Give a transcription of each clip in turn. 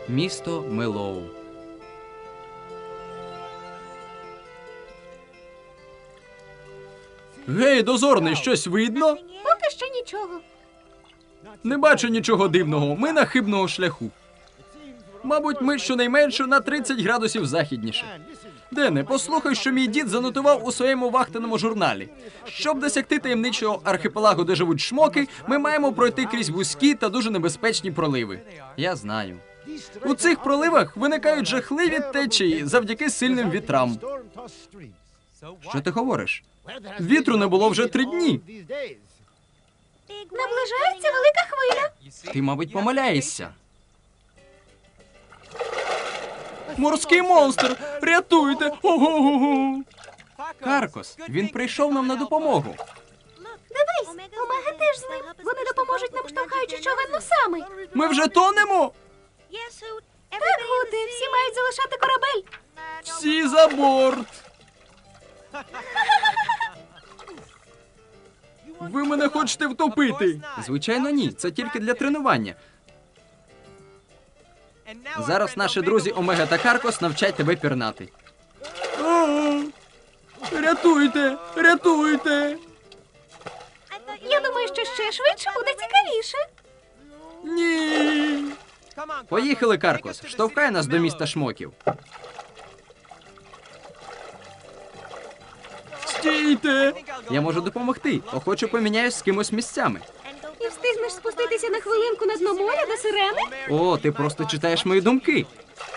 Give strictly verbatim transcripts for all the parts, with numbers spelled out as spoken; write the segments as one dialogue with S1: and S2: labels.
S1: Місто Мелоу. Гей, дозорний, щось видно?
S2: Поки що нічого.
S1: Не бачу нічого дивного, ми на хибного шляху. Мабуть, ми щонайменше на тридцять градусів західніше. Дене, послухай, що мій дід занотував у своєму вахтеному журналі. Щоб досягти таємничого архіпелагу, де живуть шмоки, ми маємо пройти крізь вузькі та дуже небезпечні проливи. Я знаю. У цих проливах виникають жахливі течії завдяки сильним вітрам. Що ти говориш? Вітру не було вже три дні.
S2: Наближається велика хвиля.
S1: Ти, мабуть, помиляєшся. Морський монстр! Рятуйте! Ого-го-го! Каркос, він прийшов нам на допомогу.
S2: Дивись, Омега теж з ним. Вони допоможуть нам, штовхаючи човен носами.
S1: Ми вже тонемо!
S2: Так, Гуте, всі мають залишати корабель.
S1: Всі за борт! Ви мене хочете втопити? Звичайно, ні. Це тільки для тренування. Зараз наші друзі Омега та Каркос навчать тебе пірнати. О, рятуйте! Рятуйте!
S2: Я думаю, що ще швидше буде цікавіше.
S1: Ні! Поїхали, Каркос. Штовхай нас до міста шмоків. Стійте! Я можу допомогти. Охоче поміняюсь з кимось місцями.
S2: І встигнеш спуститися на хвилинку на дно моря до сирени?
S1: О, ти просто читаєш мої думки.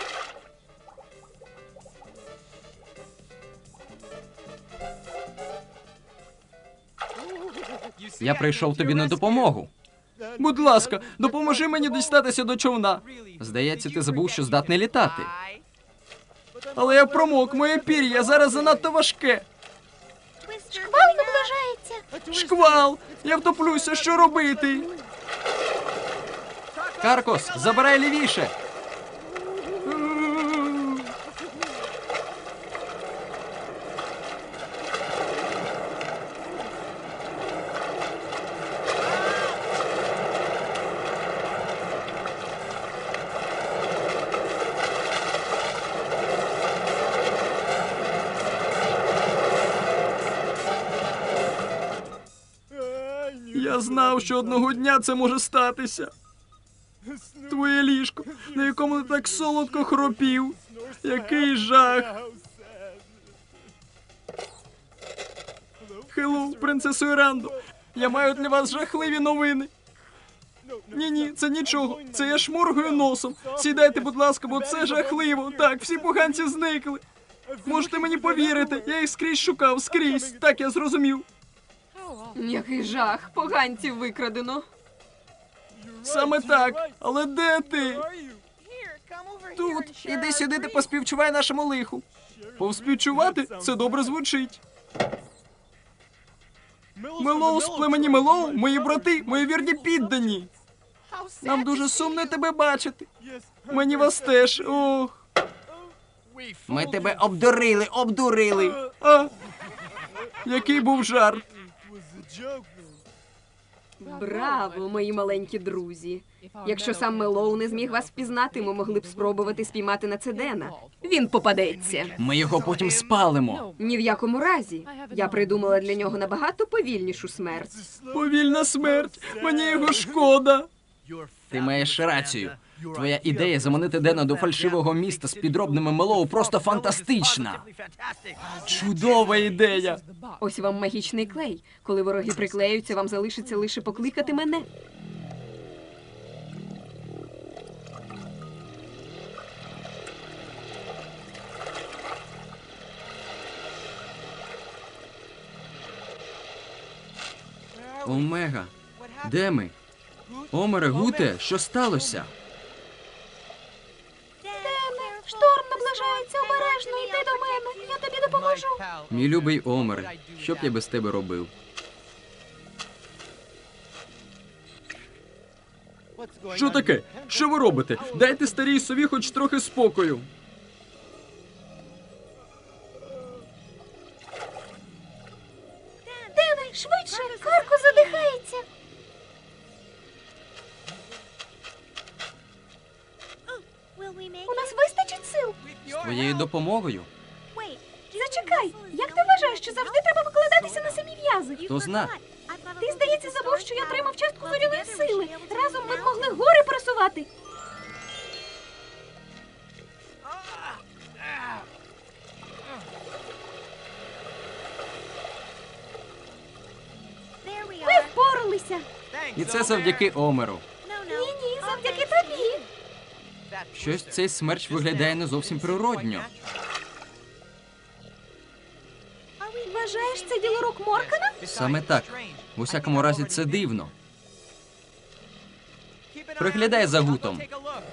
S1: Я прийшов тобі на допомогу. Будь ласка, допоможи мені дістатися до човна. Здається, ти забув, що здатний літати. Але я промок, моє пір'я зараз занадто важке.
S2: Шквал наближається.
S1: Шквал! Я втоплюся, що робити? Каркос, забирай лівіше. Я знав, що одного дня це може статися. Твоє ліжко, на якому ти так солодко хропів. Який жах. Хеллоу, принцесо Ірандо. Я маю для вас жахливі новини. Ні-ні, це нічого. Це я шморгаю носом. Сідайте, будь ласка, бо це жахливо. Так, всі поганці зникли. Можете мені повірити, я їх скрізь шукав, скрізь. Так, я зрозумів.
S3: Який жах, поганців викрадено.
S1: Саме так. Але де ти? Тут. Іди сюди, ти поспівчувай нашому лиху. Повспівчувати? Це добре звучить. Мелоу з племені Мелоу, мої брати, мої вірні піддані. Нам дуже сумно тебе бачити. Мені вас теж, ох. Ми тебе обдурили, обдурили. А? Який був жарт.
S3: Браво, мої маленькі друзі. Якщо сам Мелоу не зміг вас впізнати, ми могли б спробувати спіймати Нацедена. Він попадеться.
S1: Ми його потім спалимо.
S3: Ні в якому разі. Я придумала для нього набагато повільнішу смерть.
S1: Повільна смерть. Мені його шкода. Ти маєш рацію. Твоя ідея заманити Дена до фальшивого міста з підробними Мелоу просто фантастична. Чудова ідея.
S3: Ось вам магічний клей. Коли вороги приклеються, вам залишиться лише покликати мене.
S1: Омега, де ми? Омере, Гуте, що сталося?
S2: Дене, шторм наближається обережно. Йди до мене. Я тобі допоможу.
S1: Мій любий Омере, що б я без тебе робив? Що таке? Що ви робите? Дайте старій сові хоч трохи спокою.
S2: Дене, швидше. Карко задихається.
S1: Твоєю допомогою?
S2: Зачекай, як ти вважаєш, що завжди треба викладатися на самі в'язи?
S1: Хто зна?
S2: Ти, здається, забув, що я отримав частку зоряної сили. Разом ми б могли гори просувати. Ми впоралися.
S1: І це завдяки Омеру.
S2: Ні-ні, завдяки тобі.
S1: Щось цей смерч виглядає не зовсім природньо.
S2: Вважаєш, це діло рук Моркана?
S1: Саме так. В усякому разі, це дивно. Приглядай за Гутом.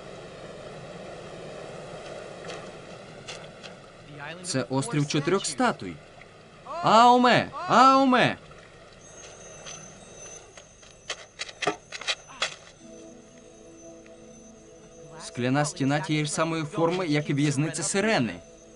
S1: Це острів чотирьох статуй. Аоме! Аоме! Скляна стіна тієї ж самої форми, як і в'язниця Сирени.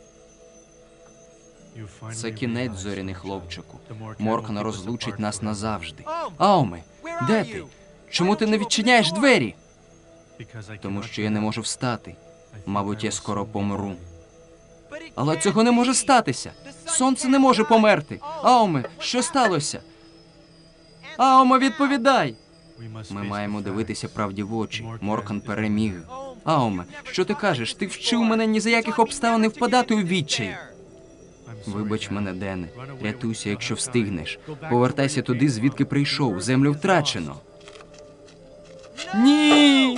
S1: Це кінець, зоряний хлопчику. Моркан розлучить нас назавжди. Аоме, де ти? Чому ти не відчиняєш двері? Тому що я не можу встати. Мабуть, я скоро помру. Але цього не може статися. Сонце не може померти. Аоме, що сталося? Аоме, відповідай! Ми маємо дивитися правді в очі. Моркан переміг. Аоме, що ти кажеш? Ти вчив мене ні за яких обставин не впадати у відчай. Вибач мене, Дене. Рятуйся, якщо встигнеш. Повертайся туди, звідки прийшов. Землю втрачено. Ні!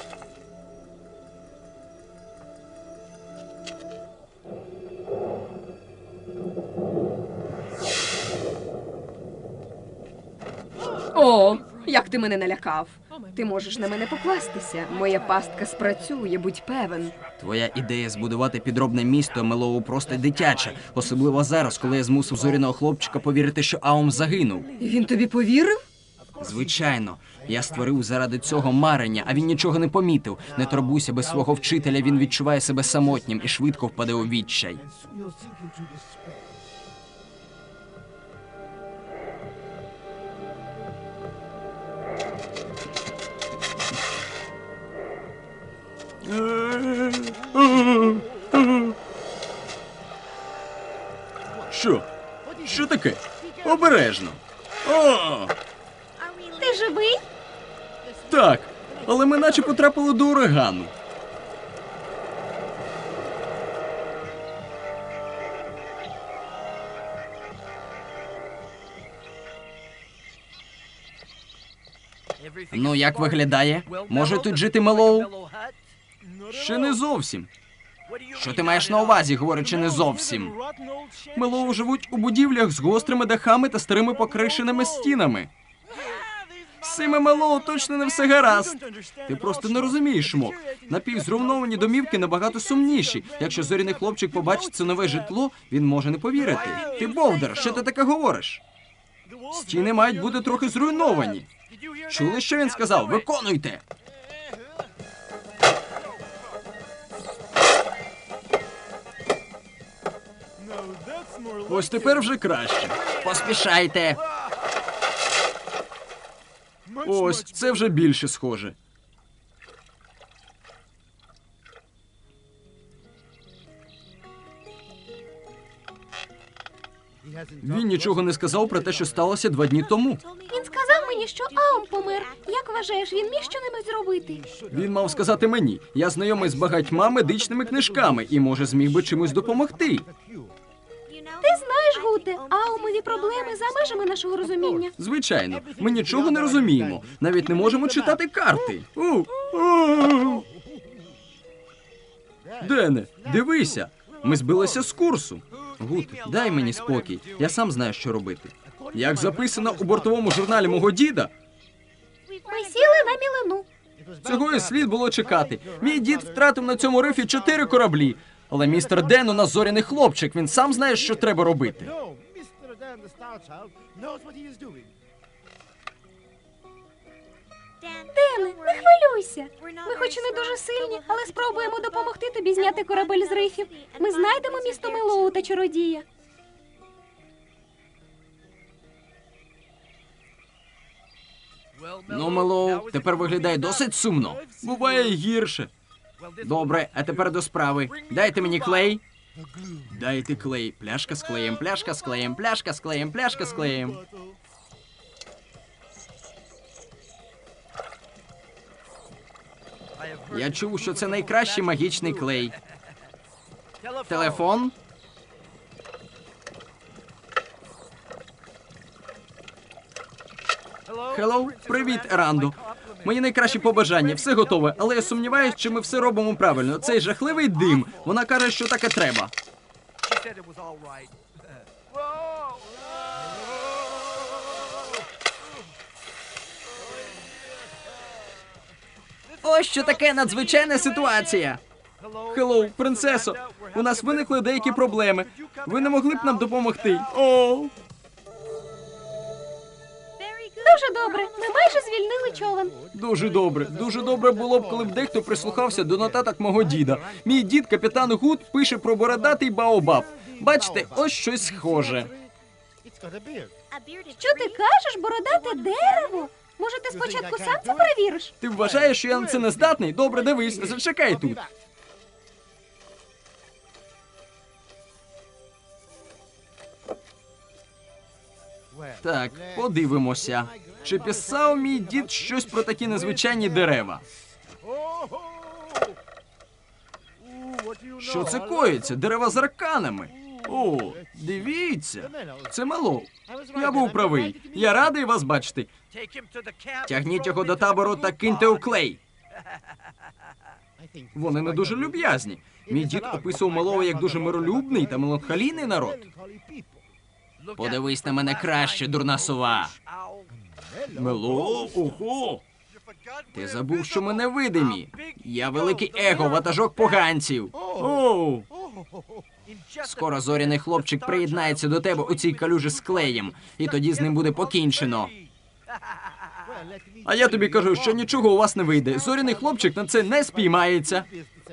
S3: О, як ти мене налякав. Ти можеш на мене покластися. Моя пастка спрацює, будь певен.
S1: Твоя ідея збудувати підробне місто Мелоу просто дитяча. Особливо зараз, коли я змусив зоряного хлопчика повірити, що Аум загинув.
S3: І він тобі повірив?
S1: Звичайно. Я створив заради цього марення, а він нічого не помітив. Не турбуйся, без свого вчителя він відчуває себе самотнім і швидко впаде у відчай. Що? Що таке? Обережно. О!
S2: Ти живий?
S1: Так, але ми наче потрапили до урагану. Ну, як виглядає? Може тут жити Мелоу? Ще не зовсім. Що ти маєш на увазі, говорячи не зовсім? Мелоу живуть у будівлях з гострими дахами та старими покришеними стінами. З цими Мелоу точно не все гаразд. Ти просто не розумієш, Мок. Напівзруйновані домівки набагато сумніші. Якщо зоряний хлопчик побачить це нове житло, він може не повірити. Ти бовдер, що ти таке говориш? Стіни мають бути трохи зруйновані. Чули, що він сказав? Виконуйте! Ось тепер вже краще. Поспішайте. Ось, це вже більше схоже. Він нічого не сказав про те, що сталося два дні тому.
S2: Він сказав мені, що Аум помер. Як вважаєш, він міг щонебудь зробити?
S1: Він мав сказати мені. Я знайомий з багатьма медичними книжками і, може, зміг би чимось допомогти.
S2: Ти знаєш, Гуте, Аумові проблеми за межами нашого розуміння.
S1: Звичайно, ми нічого не розуміємо. Навіть не можемо читати карти. У, у. Дене, дивися. Ми збилися з курсу. Гут, дай мені спокій. Я сам знаю, що робити. Як записано у бортовому журналі мого діда,
S2: Ми сіли на мілину.
S1: цього і слід було чекати. Мій дід втратив на цьому рифі чотири кораблі. Але містер Ден у нас зоряний хлопчик, він сам знає, що треба робити.
S2: Дене, не хвилюйся. Ми хоч і не дуже сильні, але спробуємо допомогти тобі зняти корабель з рифів. Ми знайдемо місто Мелоу та чародія.
S1: Ну, Мелоу, тепер виглядає досить сумно. Буває й гірше. Добре, а тепер до справи. Дайте мені клей. Дайте клей. Пляшка з клеєм, пляшка з клеєм, пляшка з клеєм, пляшка з клеєм. Я чув, що це найкращий магічний клей. Телефон? Хеллоу, привіт, Ерандо. Мої найкращі побажання, все готове, але я сумніваюсь, чи ми все робимо правильно. Цей жахливий дим. Вона каже, що таке треба. Ось що таке надзвичайна ситуація. Хеллоу, принцесо, у нас виникли деякі проблеми. Ви не могли б нам допомогти? О,
S2: Дуже добре. Ми майже звільнили човен.
S1: дуже добре. Дуже добре було б, коли б дехто прислухався до нотаток мого діда. Мій дід, капітан Гуд, пише про бородатий баобаб. Бачите, ось щось схоже.
S2: Що ти кажеш, бородате дерево? Може, ти спочатку сам це перевіриш?
S1: Ти вважаєш, що я на це не здатний? Добре, дивись, зачекай тут. Так, подивимося. Чи писав мій дід щось про такі незвичайні дерева? Що це коїться? Дерева з арканами. О, дивіться. Це Мелоу. Я був правий. Я радий вас бачити. Тягніть його до табору та киньте у клей. Вони не дуже люб'язні. Мій дід описував Мелоу як дуже миролюбний та меланхолійний народ. Подивись на мене краще, дурна сова. Мелоу, ого! Ти забув, що ми невидимі. Я великий его, ватажок поганців. Оу! Скоро зоряний хлопчик приєднається до тебе у цій калюжі з клеєм, і тоді з ним буде покінчено. А я тобі кажу, що нічого у вас не вийде. Зоряний хлопчик на це не спіймається.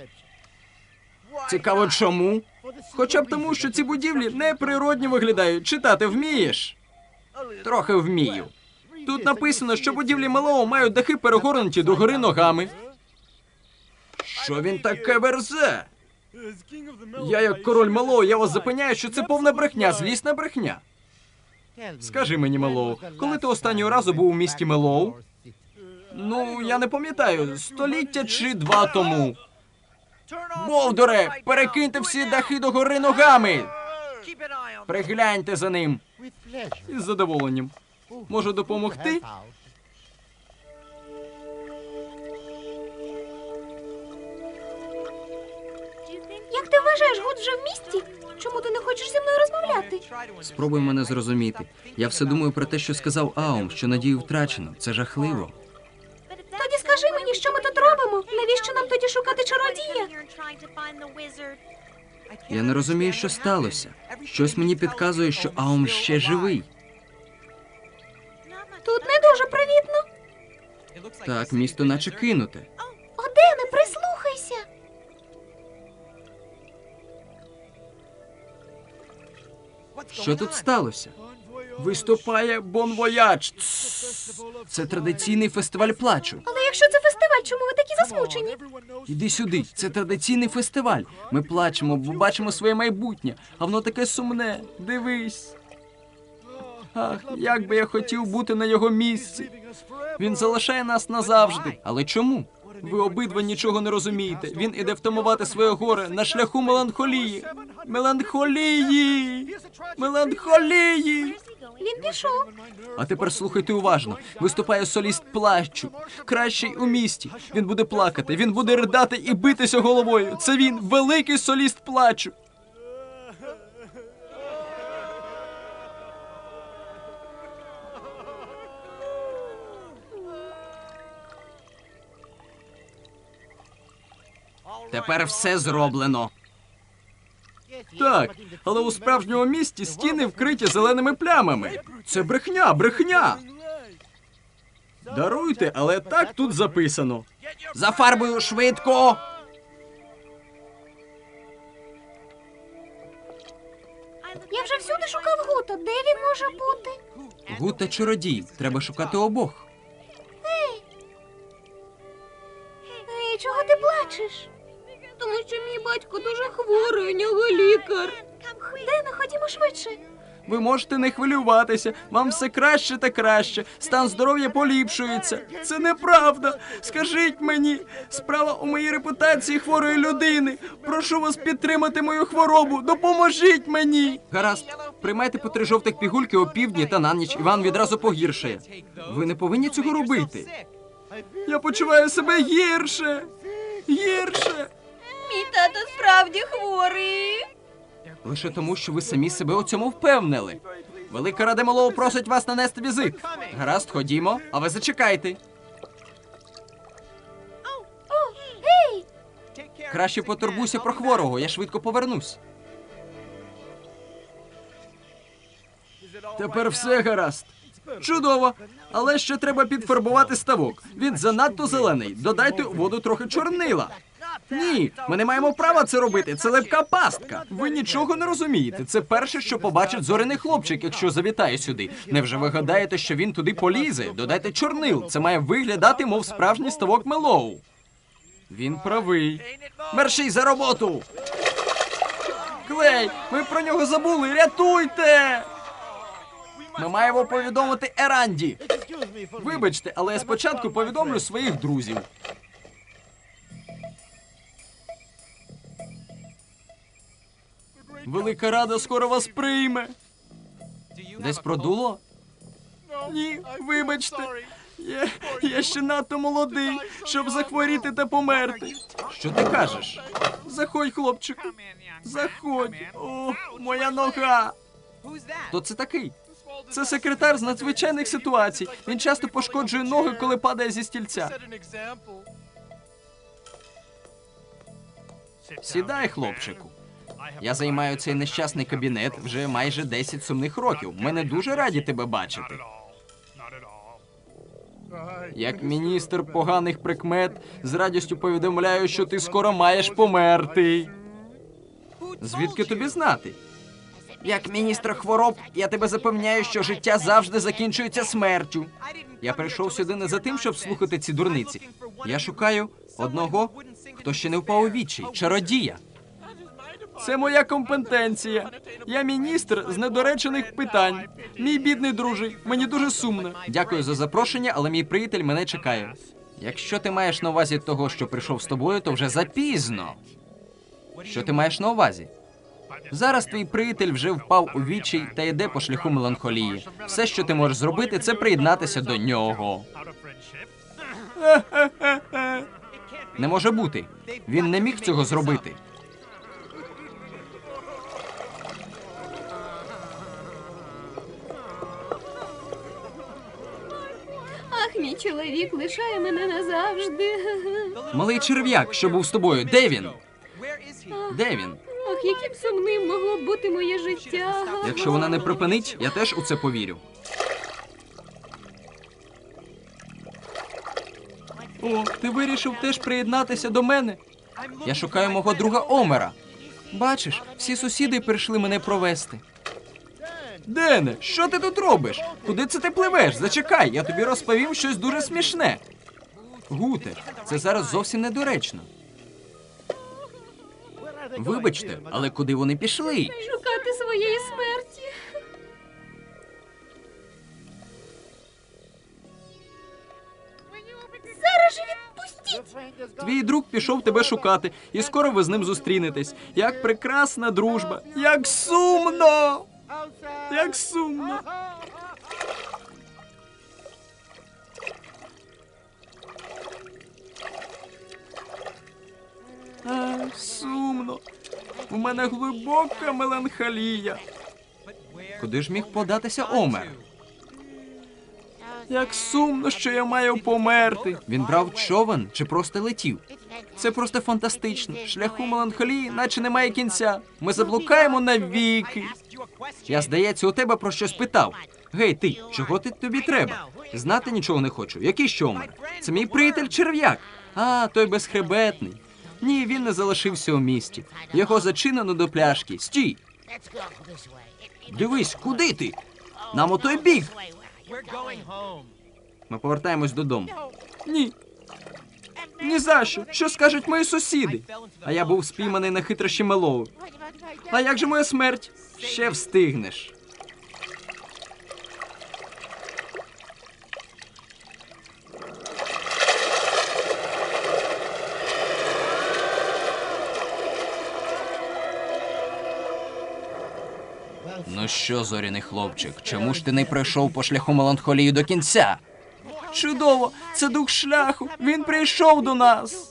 S1: Цікаво, чому? Хоча б тому, що ці будівлі неприродні виглядають. Читати вмієш? Трохи вмію. Тут написано, що будівлі Мелоу мають дахи перегорнуті догори ногами. Що він таке верзе? Я як король Мелоу, я вас запевняю, що це повна брехня, злісна брехня. Скажи мені, Мелоу, коли ти останнього разу був у місті Мелоу? Ну, я не пам'ятаю, століття чи два тому. Болдоре, перекиньте всі дахи догори ногами! Пригляньте за ним. Із задоволенням. Можу допомогти?
S2: Як ти вважаєш, Гуд вже в місті? Чому ти не хочеш зі мною розмовляти?
S1: Спробуй мене зрозуміти. Я все думаю про те, що сказав Аум, що надію втрачено. Це жахливо.
S2: Тоді скажи мені, що ми тут робимо? Навіщо нам тоді шукати чародія?
S1: Я не розумію, що сталося. Щось мені підказує, що Аум ще живий.
S2: Тут не дуже привітно.
S1: Так, місто наче кинуте.
S2: Одене, прислухайся.
S1: Що тут сталося? Виступає Бон Вояж. Це традиційний фестиваль плачу.
S2: Але якщо це фестиваль, чому ви такі засмучені?
S1: Іди сюди, це традиційний фестиваль. Ми плачемо, бо бачимо своє майбутнє, а воно таке сумне. Дивись. Ах, як би я хотів бути на його місці. Він залишає нас назавжди. Але чому? Ви обидва нічого не розумієте. Він іде втамувати своє горе на шляху меланхолії. Меланхолії! Меланхолії!
S2: Він пішов.
S1: А тепер слухайте уважно. Виступає соліст плачу. Кращий у місті. Він буде плакати, він буде ридати і битися головою. Це він, великий соліст плачу. Тепер все зроблено. Так, але у справжньому місті стіни вкриті зеленими плямами. Це брехня, брехня. Даруйте, але так тут записано. За фарбою швидко.
S2: Я вже всюди шукав Гута. Де він може бути?
S1: Гуд та чародій. Треба шукати обох.
S2: Ей, чого ти плачеш?
S3: Тому що мій батько дуже хворий, у нього лікар.
S2: Дено, ходімо швидше.
S1: Ви можете не хвилюватися, вам все краще та краще, стан здоров'я поліпшується. Це неправда. Скажіть мені, справа у моїй репутації хворої людини. Прошу вас підтримати мою хворобу, допоможіть мені. Гаразд, приймайте по три жовтих пігульки опівдні та на ніч, і вам відразу погіршає. Ви не повинні цього робити. Я почуваю себе гірше, гірше.
S3: Мій тато справді хворий.
S1: Лише тому, що ви самі себе у цьому впевнили. Велика Рада Мелоу просить вас нанести візит. Гаразд, ходімо, а ви зачекайте.
S2: О, гей!
S1: Краще потурбуйся про хворого, я швидко повернусь. Тепер все гаразд. Чудово. Але ще треба підфарбувати ставок. Він занадто зелений. Додайте у воду трохи чорнила. Ні, ми не маємо права це робити. Це липка пастка. Ви нічого не розумієте. Це перше, що побачить зоряний хлопчик, якщо завітає сюди. Невже ви гадаєте, що він туди полізе? Додайте чорнил. Це має виглядати, мов справжній ставок Мелоу. Він правий. Мерші за роботу! Клей, ми про нього забули. Рятуйте! Ми маємо повідомити Еранді. Вибачте, але я спочатку повідомлю своїх друзів. Велика Рада скоро вас прийме. Десь продуло? Ні, вибачте. Я, я ще надто молодий, щоб захворіти та померти. Що ти кажеш? Заходь, хлопчику. Заходь. О, моя нога. Хто це такий? Це секретар з надзвичайних ситуацій. Він часто пошкоджує ноги, коли падає зі стільця. Сідай, хлопчику. Я займаю цей нещасний кабінет вже майже десять сумних років. Ми не дуже раді тебе бачити. Як міністр поганих прикмет, з радістю повідомляю, що ти скоро маєш померти. Звідки тобі знати? Як міністр хвороб, я тебе запевняю, що життя завжди закінчується смертю. Я прийшов сюди не за тим, щоб слухати ці дурниці. Я шукаю одного, хто ще не впав у відчай, чародія. Це моя компетенція. Я міністр з недоречених питань. Мій бідний друже, мені дуже сумно. Дякую за запрошення, але мій приятель мене чекає. Якщо ти маєш на увазі того, що прийшов з тобою, то вже запізно. Що ти маєш на увазі? Зараз твій приятель вже впав у відчай та йде по шляху меланхолії. Все, що ти можеш зробити, це приєднатися до нього. Не може бути. Він не міг цього зробити.
S2: Ах, мій чоловік лишає мене назавжди.
S1: Малий черв'як, що був з тобою, де він? Де він?
S2: Ах, яким сумним могло б бути моє життя.
S1: Якщо вона не припинить, я теж у це повірю. О, ти вирішив теж приєднатися до мене? Я шукаю мого друга Омера. Бачиш, всі сусіди прийшли мене провести. Дене, що ти тут робиш? Куди це ти пливеш? Зачекай, я тобі розповім щось дуже смішне. Гуте, це зараз зовсім недоречно. Вибачте, але куди вони пішли?
S2: Шукати своєї смерті. Зараз же відпустіть.
S1: Твій друг пішов тебе шукати, і скоро ви з ним зустрінетесь. Як прекрасна дружба! Як сумно! Як сумно! А, сумно. У мене глибока меланхолія. Куди ж міг податися Омер? Як сумно, що я маю померти. Він брав човен чи просто летів? Це просто фантастично. Шляху меланхолії наче немає кінця. Ми заблукаємо навіки. Я, здається, у тебе про щось питав. Гей, ти, чого ти тобі треба? Знати нічого не хочу. Який ще Омер? Це мій приятель черв'як. А, той безхребетний. Ні, він не залишився у місті. Його зачинено до пляшки. Стій! Дивись, куди ти? Нам у той бік. Ми повертаємось додому. Ні. Ні за що. Що скажуть мої сусіди? А я був спійманий на хитрощі Мелоу. А як же моя смерть? Ще встигнеш. Ну що, зоряний хлопчик, чому ж ти не пройшов по шляху меланхолії до кінця? Чудово! Це дух шляху! Він прийшов до нас!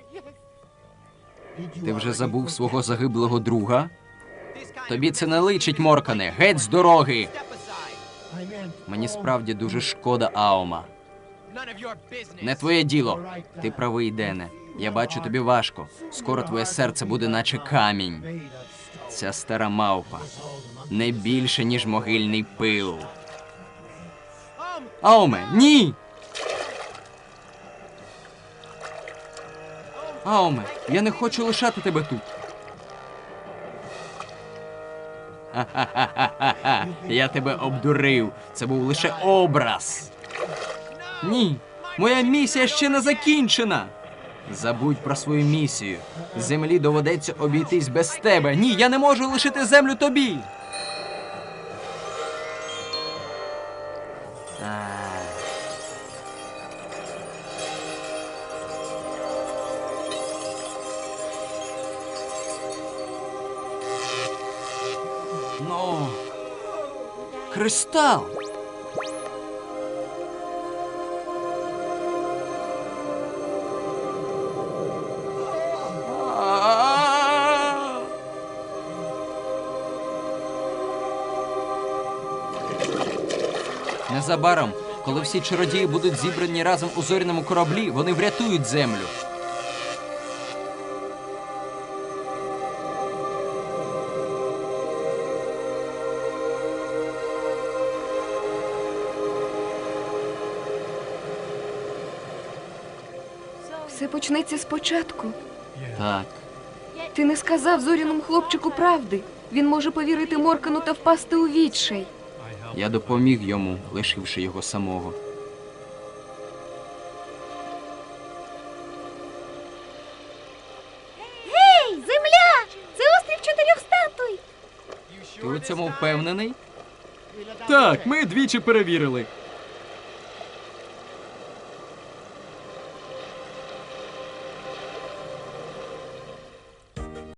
S1: Ти вже забув свого загиблого друга? Тобі це не личить, Моркане! Геть з дороги! Мені справді дуже шкода, Аома. Не твоє діло. Ти правий, Дене. Я бачу, тобі важко. Скоро твоє серце буде наче камінь. Ця стара мавпа. Не більше, ніж могильний пил. Аоме, ні! Аоме, я не хочу лишати тебе тут. Ха-ха-ха-ха-ха. Я тебе обдурив. Це був лише образ. Ні, моя місія ще не закінчена. Забудь про свою місію. Землі доведеться обійтись без тебе. Ні, я не можу лишити землю тобі. А. Ну, кристал. А. Незабаром, коли всі чародії будуть зібрані разом у зоряному кораблі, вони врятують землю.
S3: Все почнеться спочатку.
S1: Так.
S3: Ти не сказав зоряному хлопчику правди. Він може повірити Моркану та впасти у відчай.
S1: Я допоміг йому, лишивши його самого.
S2: Гей, земля! Це острів чотирьох статуй!
S1: Ти у цьому впевнений? Так, ми двічі перевірили.